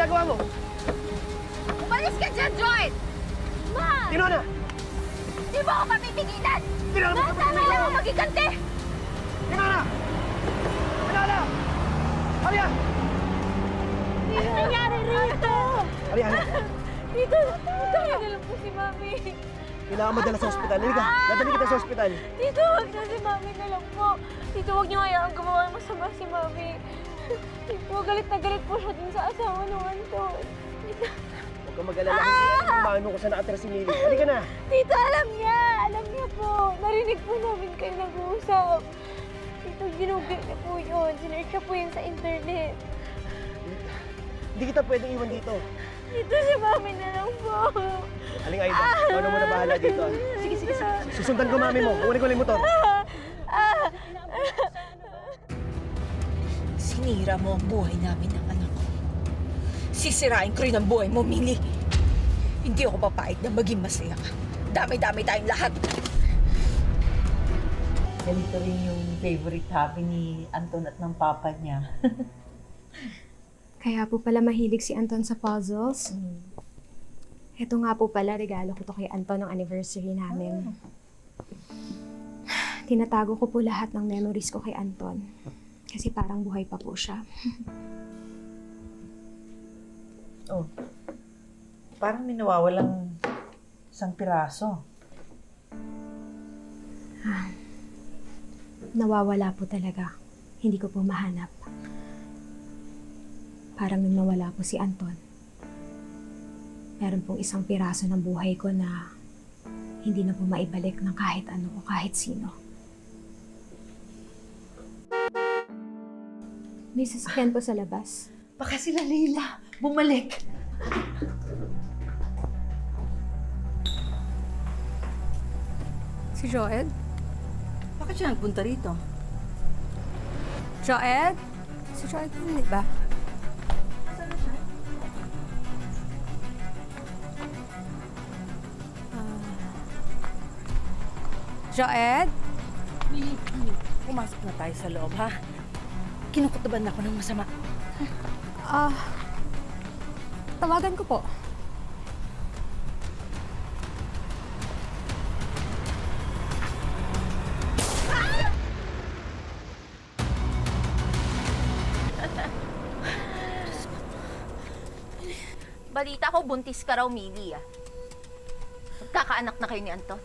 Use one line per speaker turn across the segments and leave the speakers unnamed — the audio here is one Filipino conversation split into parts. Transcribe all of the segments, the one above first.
ginagawa mo?
Umalis ka dyan, Joy! Ma!
Tinona!
Di ba ako papipigilan?
Tinona!
Ma, tama lang ang magiganti!
Tinona! Tinona! Halika!
Ano nangyari rito?
Halika, halika.
Dito, tayo na lang po si Mami.
Kailangan madala sa ospital. Halika, dadali kita sa ospital.
Dito, wag na si Mami na lang po. Dito, wag niyo hayaan gumawa ng masama si Mami. Dito, galit na galit po siya dun sa asawa ng Anton. Dito.
Huwag kang mag-alala. Hindi kung paano kung saan nakatira si Mili. Halika na.
Dito, alam niya. Alam niya po. Narinig po namin kayo nag-uusap. Dito, ginugol niya po yun. Sinerch niya po yun sa internet.
Hindi kita pwedeng iwan dito.
Dito si Mami na lang po.
Aling Aida, ikaw na muna bahala dito. Sige, sige, sige. Susundan ko mami mo. Kunin ko lang yung motor.
Sinira mo ang buhay namin ng anak ko. Sisirain ko rin ang buhay mo, Mili. Hindi ako papayag na maging masaya ka. Dami-dami tayong lahat. Ganito rin yung favorite hobby ni Anton at ng papa niya.
Kaya po pala mahilig si Anton sa puzzles. Ito nga po pala, regalo ko to kay Anton ng anniversary namin. Tinatago ko po lahat ng memories ko kay Anton. Kasi parang buhay pa po siya.
Oh, parang may nawawalang isang piraso.
Nawawala po talaga. Hindi ko po mahanap. Parang nung nawala po si Anton, meron pong isang piraso ng buhay ko na hindi na po maibalik ng kahit ano o kahit sino. May sasakyan po sa labas.
Baka sila Leila bumalik.
Si Joed?
Bakit siya nagpunta rito?
Joed? Si Joed hindi ba? Joed?
Pumasok na tayo sa loob, ha? Kinukutuban ako ng masama.
Tawagan ko po.
Balita ko, buntis ka raw, Mili, ah. Magkakaanak na kayo ni Anton.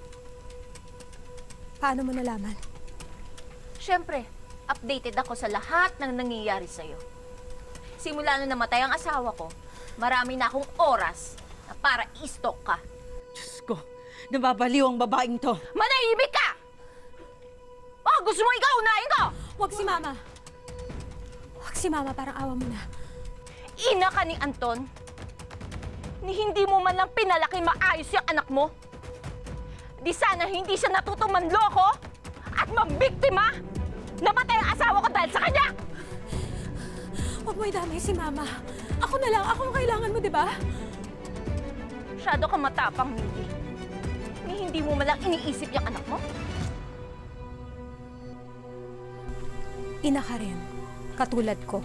Paano mo nalaman?
Siyempre, updated ako sa lahat ng nangyayari sa'yo. Simula nung namatay ang asawa ko, marami na akong oras na para i-stalk ka.
Diyos ko, nababaliw ang babaeng to.
Manahimik ka! Oh, gusto mo ikaw unahin ko?
Huwag si Mama. Huwag si Mama, parang awa mo na.
Ina ka ni Anton, ni hindi mo man lang pinalaki maayos yung anak mo. Di sana hindi siya natutong manloko at mambiktima. Namatay ang asawa ko dahil sa kanya!
Huwag mo idamay si Mama. Ako na lang. Ako ang kailangan mo, di ba?
Masyado kang matapang, Mili. Ni hindi mo man lang iniisip yung anak mo.
Ina ka rin. Katulad ko.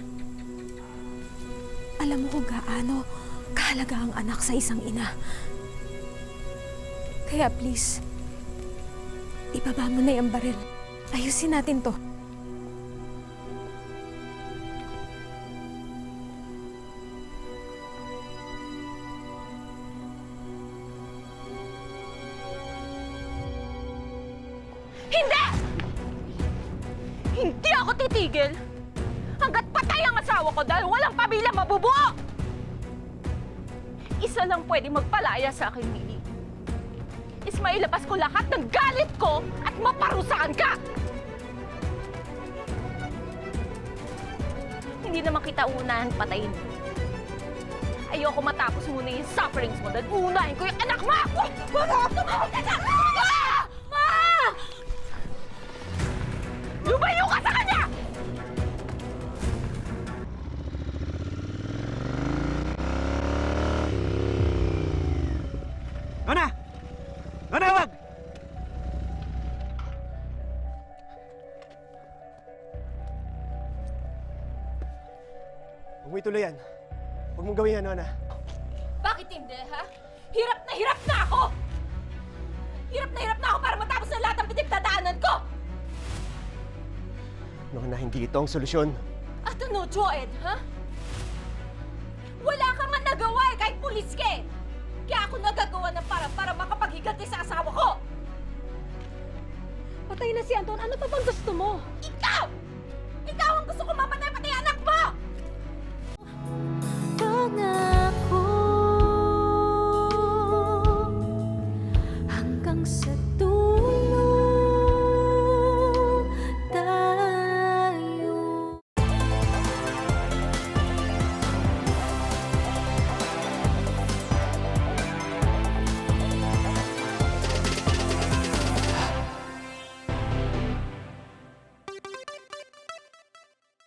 Alam mo kung gaano kahalaga ang anak sa isang ina. Kaya please, ibaba mo na yung baril. Ayusin natin to.
Hindi! Hindi ako titigil hanggat patay ang asawa ko dahil walang pamilya mabubuo! Isa lang pwede magpalaya sa akin, Mili. Is mailabas ko lahat ng galit ko at maparusahan ka! Hindi naman kita unahan patayin. Ayoko matapos muna yung sufferings mo dahil uunahin ko yung anak mo! Tumawag ka dyan! Ma! Lumayo ka sa kanya!
Nona! Nona, wag! Huwag mo ituloy yan. Huwag mong gawin yan, Nona.
Bakit hindi, ha? Hirap na ako! Hirap na ako para matapos na lahat ng pinagdadaanan ko!
Nona, hindi ito ang solusyon.
At ano, Joed, ha? Wala ka man nagawa eh, kahit pulis ka eh! Kaya ako nagagawa ng para makapaghiganti sa asawa ko!
Patay na si Anton. Ano pa bang gusto mo?
Ikaw! Ikaw ang gusto ko mamatay!